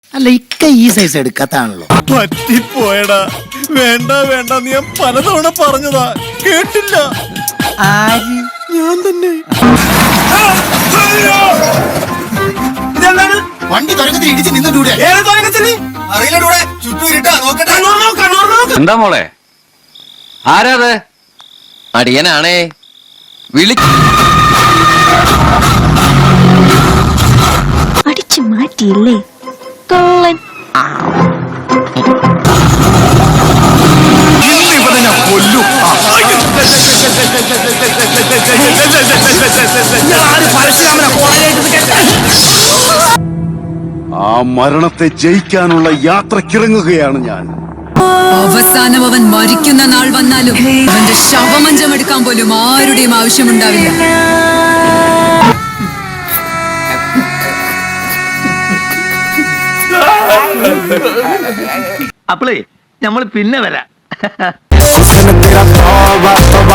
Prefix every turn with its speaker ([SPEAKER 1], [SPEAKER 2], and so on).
[SPEAKER 1] അല്ല ഇക്ക ഈ സൈസ് എടുക്കാത്താണല്ലോ.
[SPEAKER 2] പറ്റിപ്പോയടാ. വേണ്ട വേണ്ട നീ ഞാൻ പലതവണ പറഞ്ഞതാ, കേട്ടില്ല.
[SPEAKER 1] ആര്?
[SPEAKER 2] ഞാൻ തന്നെ.
[SPEAKER 1] വണ്ടി തുരങ്കത്തിൽ ഇടിച്ച് നിന്നിട്ടൂടെ?
[SPEAKER 3] എന്താ മോളെ, ആരാത്? അടിയനാണേ.
[SPEAKER 4] അടിച്ചു മാറ്റിയില്ലേ കള്ളൻ.
[SPEAKER 5] ആ മരണത്തെ ജയിക്കാനുള്ള യാത്രക്കിറങ്ങുകയാണ് ഞാൻ.
[SPEAKER 6] അവസാനം അവൻ മരിക്കുന്ന നാൾ വന്നാലും അവന്റെ ശവമഞ്ചം എടുക്കാൻ പോലും ആരുടെയും ആവശ്യമുണ്ടാവില്ല.
[SPEAKER 7] അപ്പളേ നമ്മൾ പിന്നെ വരാം.